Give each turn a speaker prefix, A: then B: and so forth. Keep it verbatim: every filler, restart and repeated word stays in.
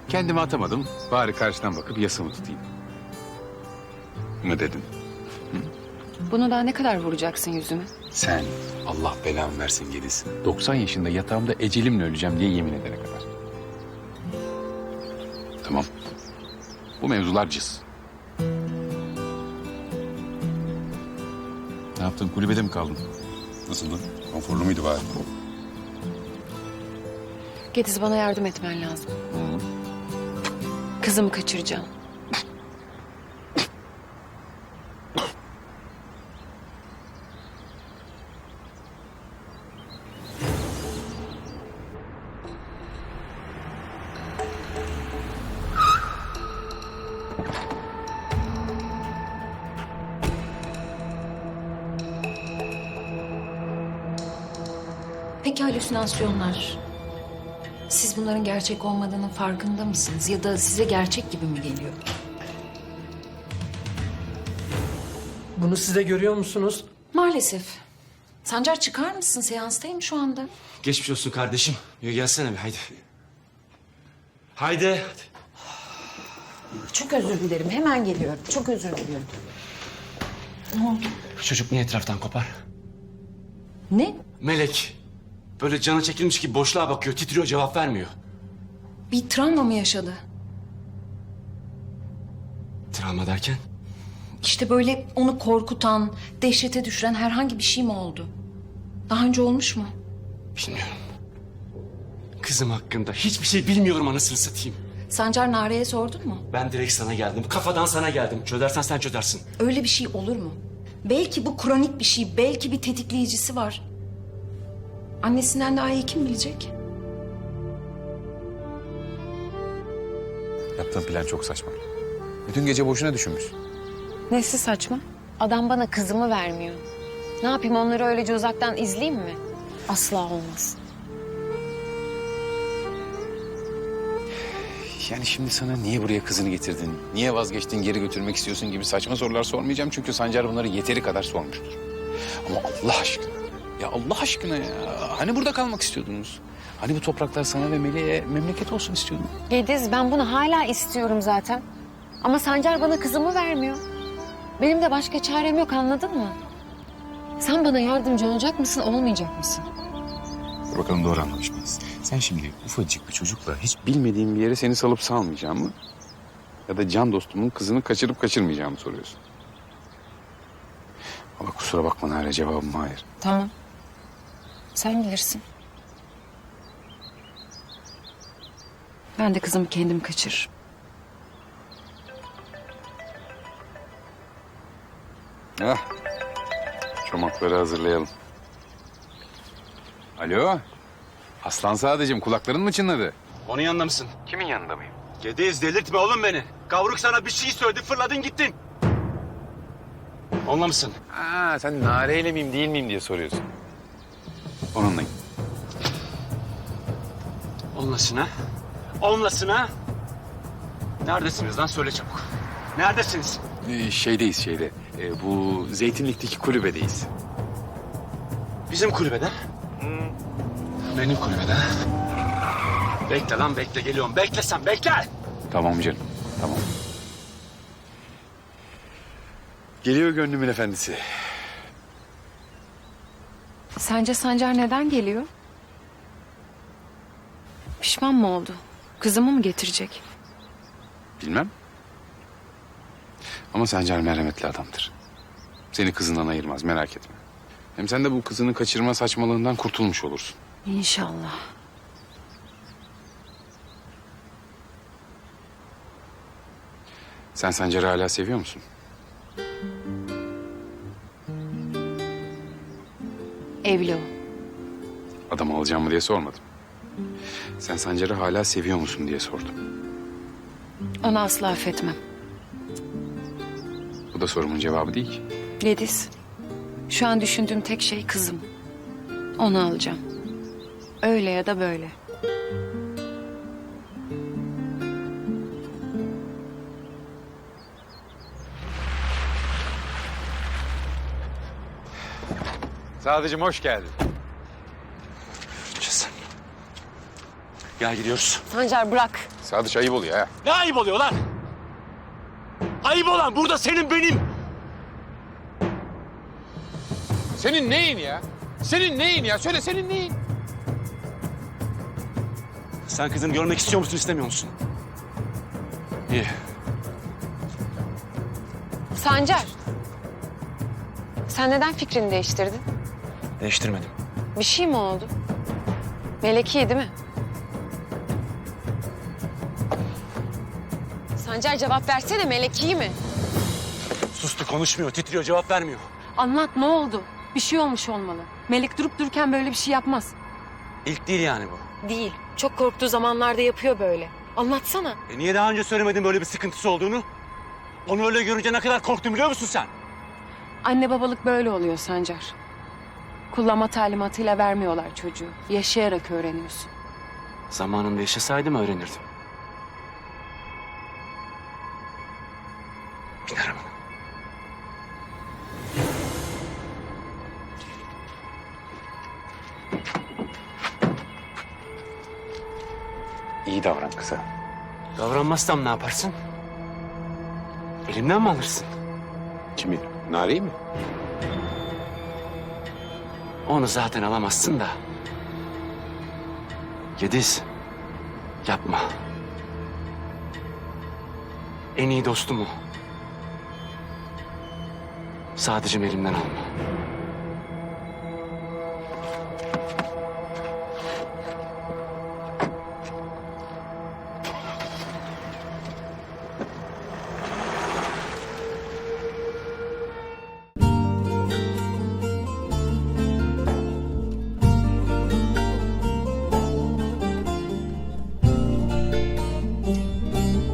A: Kendimi atamadım. Bari karşıdan bakıp yasamı tutayım. Mı dedin?
B: Bunu daha ne kadar vuracaksın yüzüme?
A: Sen Allah belamı versin Gediz. doksan yaşında yatağımda ecelimle öleceğim diye yemin edene kadar. Tamam. Bu mevzular cız. Ne yaptın? Kulübede mi kaldın? Nasıldı? Konforlu muydu bari?
B: Gediz, bana yardım etmen lazım.
A: Hı.
B: Kızımı kaçıracağım. Peki halüsinasyonlar? Siz bunların gerçek olmadığının farkında mısınız? Ya da size gerçek gibi mi geliyor?
C: Bunu siz de görüyor musunuz?
B: Maalesef. Sancar, çıkar mısın? Seanstayım şu anda.
D: Geçmiş olsun kardeşim. Ya gelsene bir haydi. Haydi.
B: Çok özür dilerim. Hemen geliyorum. Çok özür diliyorum. Ne oldu?
D: Çocuk niye etraftan kopar?
B: Ne?
D: Melek. Böyle canı çekilmiş gibi boşluğa bakıyor, titriyor, cevap vermiyor.
B: Bir travma mı yaşadı?
D: Travma derken?
B: İşte böyle onu korkutan, dehşete düşüren herhangi bir şey mi oldu? Daha önce olmuş mu?
D: Bilmiyorum. Kızım hakkında hiçbir şey bilmiyorum anasını satayım.
B: Sancar, Nare'ye sordun mu?
D: Ben direkt sana geldim. Kafadan sana geldim. Çözersen sen çözersin.
B: Öyle bir şey olur mu? Belki bu kronik bir şey, belki bir tetikleyicisi var. Annesinden daha iyi kim bilecek?
A: Yaptığın plan çok saçma. Bütün gece boşuna düşünmüşsün.
B: Nesi saçma? Adam bana kızımı vermiyor. Ne yapayım, onları öylece uzaktan izleyeyim mi? Asla olmaz.
A: Yani şimdi sana niye buraya kızını getirdin, niye vazgeçtin, geri götürmek istiyorsun gibi saçma sorular sormayacağım. Çünkü Sancar bunları yeteri kadar sormuştur. Ama Allah aşkına, ya Allah aşkına ya. Hani burada kalmak istiyordunuz? Hani bu topraklar sana ve Melek'e memleket olsun istiyordun?
B: Gediz, ben bunu hala istiyorum zaten. Ama Sancar bana kızımı vermiyor. Benim de başka çarem yok, anladın mı? Sen bana yardımcı olacak mısın, olmayacak mısın?
A: Dur bakalım doğru anlamış mıyız? Sen şimdi ufacık bir çocukla hiç bilmediğim bir yere seni salıp salmayacağım mı? Ya da can dostumun kızını kaçırıp kaçırmayacağımı soruyorsun. Ama kusura bakma Nare, cevabım hayır.
B: Tamam. Sen bilirsin. Ben de kızımı kendim kaçırırım.
A: Ah, çomakları hazırlayalım. Alo, Aslan Sadıcığım, kulakların mı çınladı?
D: Onun yanında mısın?
A: Kimin yanında mıyım?
D: Gediz, delirtme oğlum beni. Kavruk sana bir şey söyledi, fırladın gittin. Onunla mısın?
A: Aa, sen Nare'yle miyim değil miyim diye soruyorsun. Onunlayım.
D: Onlasın ha? Onlasın ha? Neredesiniz lan? Söyle çabuk. Neredesiniz?
A: Ee, şeydeyiz şeyde. Ee, bu Zeytinlik'teki kulübedeyiz.
D: Bizim kulübede. Benim kulübede. Bekle lan bekle, geliyorum. Bekle sen, bekle.
A: Tamam canım, tamam. Geliyor gönlümün efendisi.
B: Sence Sancar neden geliyor? Pişman mı oldu? Kızımı mı getirecek?
A: Bilmem. Ama Sancar merhametli adamdır. Seni kızından ayırmaz, merak etme. Hem sen de bu kızını kaçırma saçmalığından kurtulmuş olursun.
B: İnşallah.
A: Sen Sancar'ı hala seviyor musun?
B: Evli o.
A: Adam alacağım mı diye sormadım. Sen Sancar'ı hala seviyor musun diye sordum.
B: Onu asla affetmem.
A: Bu da sorumun cevabı değil ki.
B: Gediz, şu an düşündüğüm tek şey kızım. Onu alacağım. Öyle ya da böyle.
A: Sadıcığım hoş geldin.
D: Cızım. Gel gidiyoruz.
B: Sancar bırak.
A: Sadıç ayıp oluyor ha.
D: Ne ayıp oluyor lan? Ayıp olan burada senin benim.
A: Senin neyin ya? Senin neyin ya? Söyle senin neyin?
D: Sen kızını görmek istiyor musun, istemiyor musun? İyi.
B: Sancar. Sen neden fikrini değiştirdin?
D: Değiştirmedim.
B: Bir şey mi oldu? Melek iyi değil mi? Sancar cevap versene, Melek iyi mi?
D: Sustu, konuşmuyor, titriyor, cevap vermiyor.
B: Anlat, ne oldu? Bir şey olmuş olmalı. Melek durup dururken böyle bir şey yapmaz.
D: İlk değil yani bu.
B: Değil. Çok korktuğu zamanlarda yapıyor böyle. Anlatsana.
D: E niye daha önce söylemedin böyle bir sıkıntısı olduğunu? Onu öyle görünce ne kadar korktum biliyor musun sen?
E: Anne babalık böyle oluyor Sancar. Kullanma talimatıyla vermiyorlar çocuğu. Yaşayarak öğreniyorsun.
D: Zamanında yaşasaydım öğrenirdim. Bin arabana.
A: İyi davran kıza.
D: Davranmazsam ne yaparsın? Elimden mi alırsın?
A: Kimi? Nareyi mi?
D: Onu zaten alamazsın da. Yediz. Yapma. En iyi dostum o. Sadece elimden alma.